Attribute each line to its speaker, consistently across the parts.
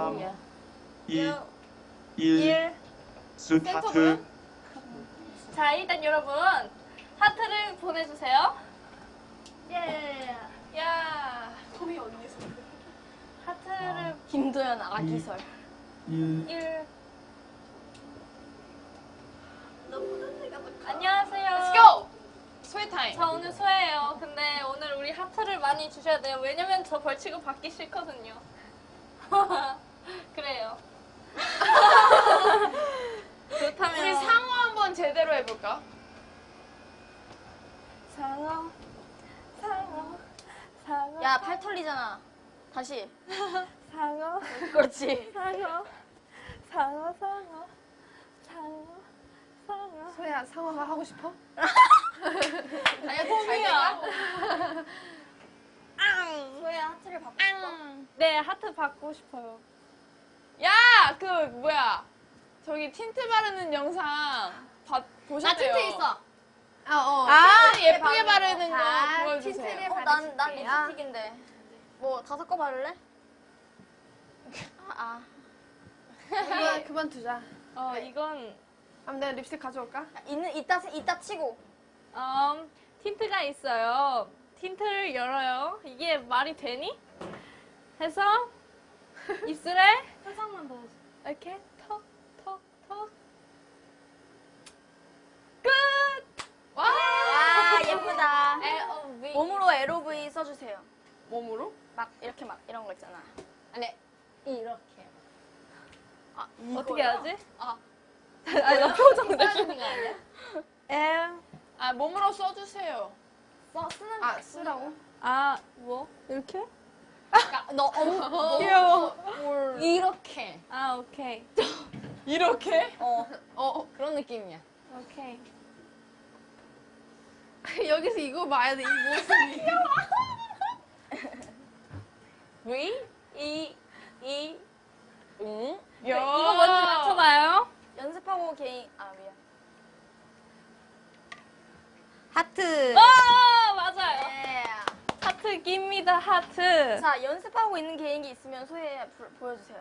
Speaker 1: 3, 2, 1.
Speaker 2: 1.
Speaker 1: 숫 하트.
Speaker 2: 자, 일단 여러분 하트를 보내주세요. 예. 야.
Speaker 3: 소미 언니 소리.
Speaker 2: 하트를
Speaker 4: 김도연 아기설.
Speaker 1: 1.
Speaker 2: 1. 안녕하세요.
Speaker 3: Let's go. 소희 타임.
Speaker 2: 저 오늘 소예요. 근데 오늘 우리 하트를 많이 주셔야 돼요. 왜냐면 저 벌칙을 받기 싫거든요. 그래요. 그렇다면
Speaker 3: 우리 상어 한번 제대로 해볼까?
Speaker 2: 상어, 상어, 상어.
Speaker 4: 야, 팔 털리잖아. 다시.
Speaker 2: 상어,
Speaker 4: 그렇지.
Speaker 2: 상어, 상어, 상어, 상어, 상어.
Speaker 3: 소희야 상어가 하고 싶어?
Speaker 4: 아니,
Speaker 3: 소미야.
Speaker 4: 소야 하트를 받고 싶어?
Speaker 2: 네, 하트 받고 싶어요.
Speaker 3: 야, 그 뭐야? 저기 틴트 바르는 영상 보셨대요?
Speaker 4: 나 틴트 있어.
Speaker 3: 틴트 예쁘게 바르는 거 보여주세요.
Speaker 4: 난 립스틱인데. 뭐 5거 바를래?
Speaker 3: 그만두자.
Speaker 2: 이건
Speaker 3: 그럼 내가 립스틱 가져올까?
Speaker 4: 이따 치고.
Speaker 2: 틴트가 있어요. 틴트를 열어요. 이게 말이 되니? 해서 입술에
Speaker 4: 세상만 보여줘.
Speaker 2: 이렇게 턱, 턱, 턱. 끝!
Speaker 3: 와!
Speaker 4: 와, 예쁘다.
Speaker 3: LOV.
Speaker 4: 몸으로 LOV 써주세요.
Speaker 3: 몸으로?
Speaker 4: 막 이렇게 막 이런 거 있잖아.
Speaker 3: 아니 이렇게.
Speaker 2: 어떻게 하지?
Speaker 3: 아니 나 표정 느끼는 거 아니야?
Speaker 2: M.
Speaker 3: 몸으로 써주세요.
Speaker 4: 쓰는
Speaker 3: 쓰라고?
Speaker 2: 뭐? 이렇게?
Speaker 3: 너
Speaker 2: 귀여워.
Speaker 3: 이렇게.
Speaker 2: 오케이.
Speaker 3: 이렇게?
Speaker 4: 그런 느낌이야.
Speaker 2: 오케이.
Speaker 3: 여기서 이거 봐야 돼, 이 모습이. 야.
Speaker 2: 이거 뭔지 맞춰봐요.
Speaker 4: 연습하고 개인 미안. 하트.
Speaker 2: 맞아요.
Speaker 4: 예.
Speaker 2: 하트 깁니다, 하트.
Speaker 4: 자, 연습하고 있는 개인기 있으면 소혜 보여주세요.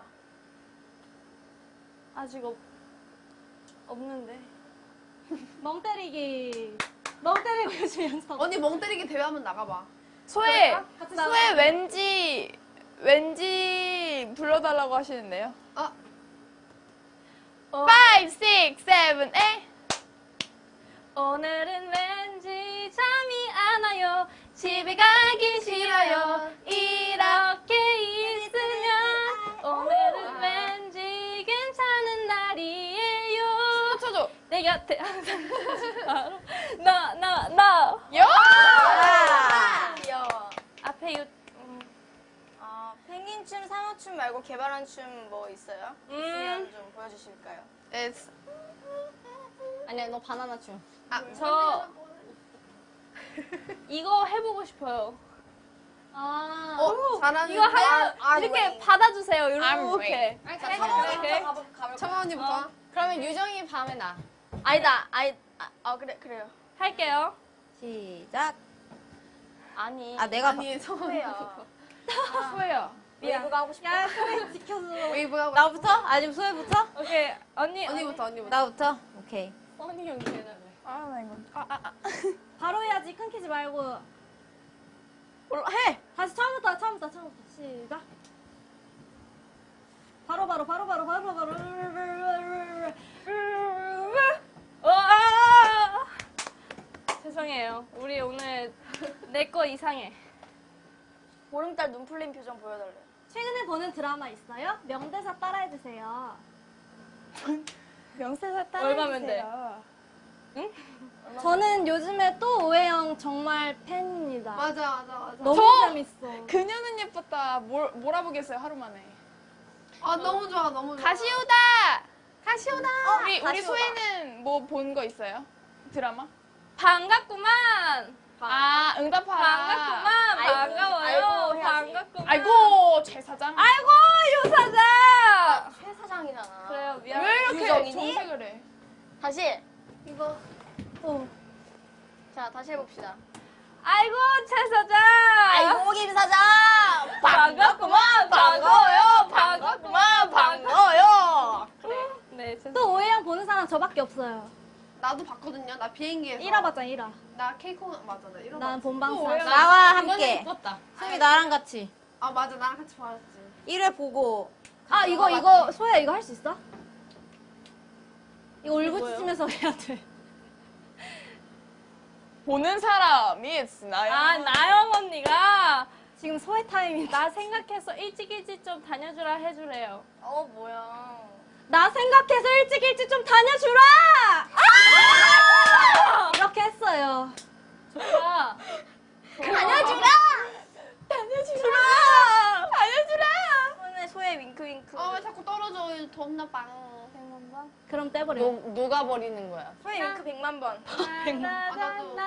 Speaker 2: 아직 없는데.
Speaker 5: 멍 때리기. 멍 때리고 요즘 연습.
Speaker 3: 언니 멍 때리기 대회 한번 나가봐.
Speaker 6: 소혜
Speaker 5: 소혜
Speaker 6: 왠지 불러달라고 하시는데요. 5, 6, 7, 8.
Speaker 2: 오늘은 왠지 잠이 안 와요. 집에 가기 싫어요. 이렇게 있으면 오늘은 왠지 괜찮은 날이에요.
Speaker 6: 쳐줘.
Speaker 2: 내 곁에 항상 나
Speaker 4: 귀여워.
Speaker 2: 앞에
Speaker 4: 펭귄춤, 상어춤 말고 개발한 춤 뭐 있어요? 있으면 좀 보여주실까요?
Speaker 3: 아니야, 너 바나나 춤.
Speaker 2: 저 이거 해보고 싶어요.
Speaker 3: 잘하는데?
Speaker 2: 이거 이렇게 받아주세요. 이렇게.
Speaker 3: 청아 언니부터.
Speaker 6: 그러면 유정이 밤에 나.
Speaker 4: 아니다. 그래요.
Speaker 2: 할게요.
Speaker 5: 시작.
Speaker 4: 아니.
Speaker 5: 내가
Speaker 3: 아니, 청아 언니.
Speaker 4: 소혜야.
Speaker 6: 소혜야.
Speaker 4: 웨이브가 하고 싶어.
Speaker 5: 야, 소혜 지켜줘.
Speaker 3: 웨이브하고.
Speaker 5: 나부터? 아니면 소혜부터?
Speaker 2: 오케이 언니.
Speaker 3: 언니부터.
Speaker 5: 나부터? 오케이.
Speaker 3: 언니 연기 해달래.
Speaker 6: 나 이거.
Speaker 5: 바로 해야지. 끊기지 말고.
Speaker 4: 해.
Speaker 5: 다시 처음부터. 시작. 바로.
Speaker 2: 죄송해요. 우리 오늘 내 거 이상해.
Speaker 4: 보름달 눈 풀린 표정 보여달래.
Speaker 5: 최근에 보는 드라마 있어요? 명대사 따라해주세요.
Speaker 6: 명세사
Speaker 2: 얼마면
Speaker 6: 따라해주세요.
Speaker 5: 저는 요즘에 또 오해영 정말 팬입니다.
Speaker 3: 맞아.
Speaker 5: 너무
Speaker 6: 저-
Speaker 5: 재밌어.
Speaker 6: 그녀는 예뻤다. 몰아보겠어요, 하루 만에.
Speaker 3: 너무 좋아.
Speaker 6: 가시오다. 우리
Speaker 4: 가시오다.
Speaker 6: 소혜는 뭐 본 거 있어요? 드라마?
Speaker 2: 반갑구만.
Speaker 6: 응답하라.
Speaker 2: 반가워요.
Speaker 4: 해야지.
Speaker 2: 반갑구만.
Speaker 6: 아이고, 최 사장.
Speaker 2: 아이고 유사장.
Speaker 4: 최 사장이잖아.
Speaker 2: 그래요 미안.
Speaker 6: 왜 이렇게
Speaker 4: 유정이니?
Speaker 6: 정색을 해?
Speaker 4: 다시.
Speaker 5: 이거.
Speaker 4: 자, 다시 해봅시다.
Speaker 2: 아이고 최 사장.
Speaker 4: 아이고, 김 사장.
Speaker 2: 반갑구만. 반가워요.
Speaker 4: 그만 반가워요.
Speaker 2: 네,
Speaker 5: 또 오해영 보는 사람 저밖에 없어요.
Speaker 3: 나도 봤거든요. 나 비행기에서.
Speaker 5: 1화 봤잖아, 1화.
Speaker 3: 나 케이콘 맞아. 나 1화
Speaker 5: 난
Speaker 3: 봤어.
Speaker 5: 본방사.
Speaker 7: 나와 함께. 수미 나랑 같이
Speaker 3: 아 맞아. 나랑 같이 봤지.
Speaker 7: 1회 보고
Speaker 5: 아, 이거, 소야, 이거 할 수 있어? 이거 울부짖으면서 해야 돼.
Speaker 6: 보는 사람이 나요.
Speaker 2: 아, 나영 언니가
Speaker 5: 지금 소외 타임이.
Speaker 2: 나 생각해서 일찍 좀 다녀주라 해주래요.
Speaker 4: 뭐야.
Speaker 5: 나 생각해서 일찍 좀 다녀주라! 아! 이렇게 했어요.
Speaker 2: 좋아.
Speaker 4: 다녀주라! 소의 윙크윙크.
Speaker 3: 왜 자꾸 떨어져? 겁나 빵.
Speaker 5: 그럼 떼버려.
Speaker 7: 누가 버리는 거야?
Speaker 4: 소의 윙크 100만 번.
Speaker 3: 나도.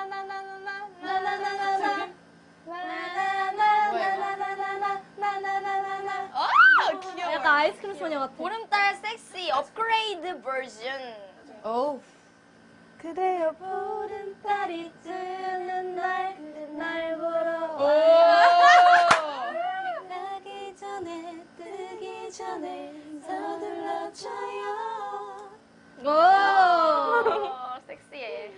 Speaker 6: 귀여워.
Speaker 5: 약간 아이스크림 소녀 같아.
Speaker 4: 보름달 섹시 업그레이드 버전.
Speaker 7: 어우
Speaker 5: 그대여 보름달이 뜨는 날, 날 보러
Speaker 6: 오.
Speaker 5: 나기 전에, 뜨기 전에 서둘러줘요. 오!
Speaker 4: 섹시해.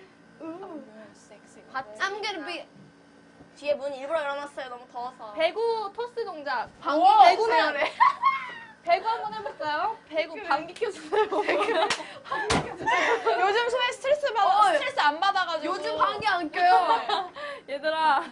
Speaker 3: I'm gonna be.
Speaker 4: 뒤에 문 일부러 열어놨어요. 너무 더워서.
Speaker 2: 배구 토스 동작.
Speaker 6: 방귀
Speaker 2: 배구는 배구 한번 해볼까요? 배구 방귀 켜주세요.
Speaker 6: 요즘 소에 스트레스 안 받아가지고.
Speaker 3: 요즘 방귀 안 껴요.
Speaker 2: 얘들아,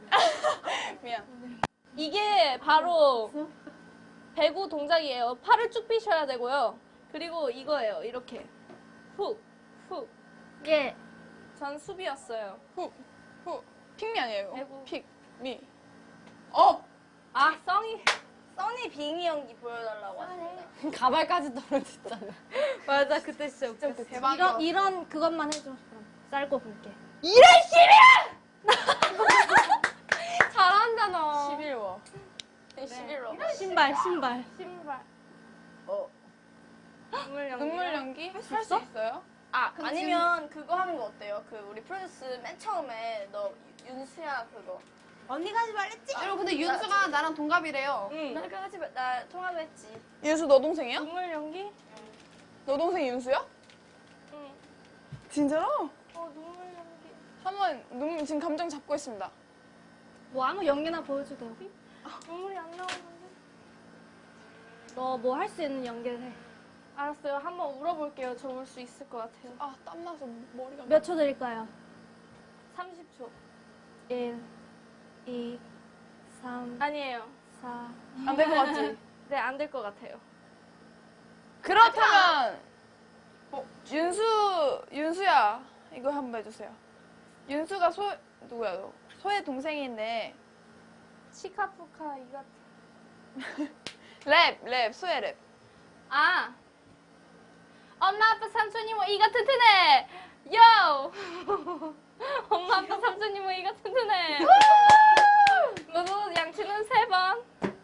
Speaker 6: 미안.
Speaker 2: 이게 바로 배구 동작이에요. 팔을 쭉 삐셔야 되고요. 그리고 이거예요. 이렇게 훅, 훅.
Speaker 5: 예.
Speaker 2: 전 수비였어요.
Speaker 6: 후. 픽미 아니에요?
Speaker 2: 아이고.
Speaker 6: 픽, 미.
Speaker 2: 아, 써니.
Speaker 4: 써니 빙의 연기 보여달라고 하십니다.
Speaker 7: 가발까지 떨어졌잖아.
Speaker 2: 맞아, 그때 진짜 웃겼어.
Speaker 3: 대박이야.
Speaker 5: 이런 그것만 해줘. 그럼 짧고 굵게.
Speaker 2: 잘한다 너.
Speaker 6: 11워.
Speaker 4: 11로.
Speaker 5: 신발.
Speaker 2: 신발.
Speaker 4: 눈물 연기.
Speaker 6: 눈물 연기? 할 수 있어요?
Speaker 4: 아니면 그거 하는 거 어때요? 그 우리 프로듀스 맨 처음에 너 윤수야 그거.
Speaker 7: 언니가 하지 말랬지?
Speaker 3: 여러분 근데 윤수가 나랑 동갑이래요.
Speaker 2: 응.
Speaker 4: 나 통화했지.
Speaker 6: 윤수 너 동생이야?
Speaker 2: 눈물 연기?
Speaker 6: 너 동생 윤수야?
Speaker 2: 응.
Speaker 6: 진짜로?
Speaker 2: 눈물 연기.
Speaker 6: 한번 지금 감정 잡고 있습니다.
Speaker 5: 뭐 아무 연기나 보여줘도 돼요.
Speaker 2: 눈물이 안 나오는데.
Speaker 5: 너 뭐 할 수 있는 연기를 해.
Speaker 2: 알았어요. 한번 울어볼게요. 저 울 수 있을 것 같아요.
Speaker 6: 아 땀나서 머리가.
Speaker 5: 몇 초 드릴까요?
Speaker 2: 30초.
Speaker 5: 1, 2, 3,
Speaker 2: 아니에요.
Speaker 5: 4.
Speaker 6: 안 될 것 같지?
Speaker 2: 네, 안 될 것 같아요.
Speaker 6: 그렇다면 윤수야 이거 한번 해주세요. 윤수가 누구야 너? 소의 동생인데
Speaker 2: 치카푸카 이 같은.
Speaker 6: 랩 소의 랩.
Speaker 2: 아. 엄마 아빠 삼촌이 뭐 이가 튼튼해. 요. 엄마 아빠 삼촌이 뭐 이가 튼튼해. 너도 양치는 3번.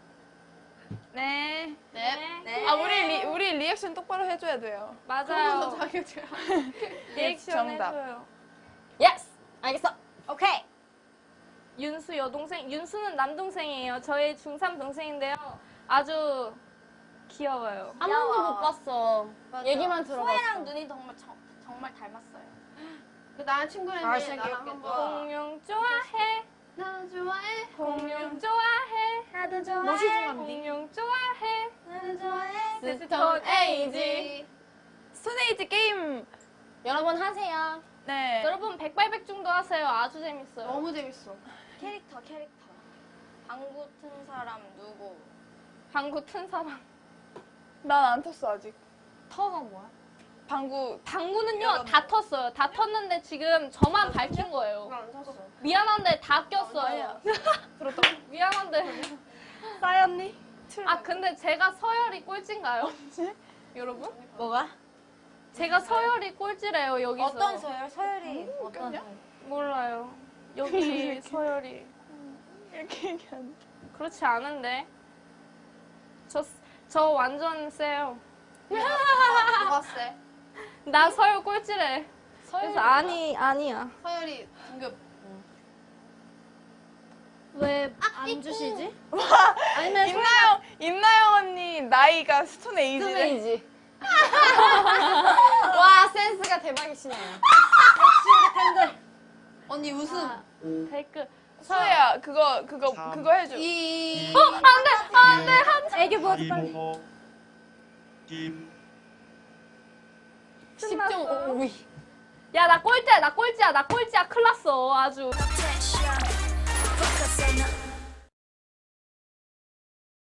Speaker 6: 네.
Speaker 2: 네.
Speaker 6: 아 우리 리액션 똑바로 해줘야 돼요.
Speaker 2: 맞아요.
Speaker 3: 자기가
Speaker 2: 리액션
Speaker 6: 정답.
Speaker 2: 해줘요.
Speaker 7: 예스 알겠어. 오케이.
Speaker 2: 윤수 여동생. 윤수는 남동생이에요. 저의 중3 동생인데요. 아주 귀여워요.
Speaker 7: 한 번도 못 봤어.
Speaker 4: 맞아.
Speaker 7: 얘기만 들어봤어.
Speaker 4: 소혜랑 눈이 정말 닮았어요.
Speaker 3: 나랑 친구인데 나랑 한번.
Speaker 2: 공룡 좋아해.
Speaker 3: 나 좋아해.
Speaker 2: 공룡 좋아해.
Speaker 5: 나도 좋아해.
Speaker 6: 무시 중한디.
Speaker 2: 공룡 좋아해.
Speaker 5: 나도 좋아해.
Speaker 2: 스톤 에이지.
Speaker 6: 스톤에이지 게임.
Speaker 7: 여러분 하세요.
Speaker 6: 네.
Speaker 2: 여러분 백발백중도 하세요. 아주 재밌어요.
Speaker 3: 너무 재밌어.
Speaker 4: 캐릭터. 방구 튼 사람 누구?
Speaker 2: 방구 튼 사람.
Speaker 6: 난 안 텄어 아직.
Speaker 7: 터가 뭐야?
Speaker 2: 방구는요 다 텄어요. 다 텄는데 지금 저만 밝힌 거예요.
Speaker 3: 안 탔어.
Speaker 2: 미안한데 다 꼈어요.
Speaker 6: 들었다고?
Speaker 2: 미안한데.
Speaker 5: 싸였니?
Speaker 2: 아 근데 제가 서열이 꼴찌인가요? 여러분?
Speaker 7: 뭐가?
Speaker 2: 제가 서열이 꼴찌래요 여기서.
Speaker 7: 어떤 서열? 서열이 어떤
Speaker 6: 그냥?
Speaker 7: 서열?
Speaker 2: 몰라요. 여기 서열이.
Speaker 6: 이렇게 얘기하는.
Speaker 2: 그렇지 않은데. 저 완전 세요.
Speaker 3: 누가 쎄?
Speaker 2: 나 서열 꼴찌래. 그래서 아니야.
Speaker 3: 서열이 등급.
Speaker 5: 왜 안 주시지? 아니면
Speaker 6: 임나영 언니 나이가 스톤 에이지래.
Speaker 7: 스메이지. 와, 센스가 대박이시네요.
Speaker 3: 언니 웃음.
Speaker 2: 댓글.
Speaker 6: 서혜야 그거 해줘.
Speaker 5: 애교 보여줘 빨리.
Speaker 1: 이모호 김
Speaker 7: 10.5위.
Speaker 2: 야, 나 꼴찌야. 큰일 났어. 아주.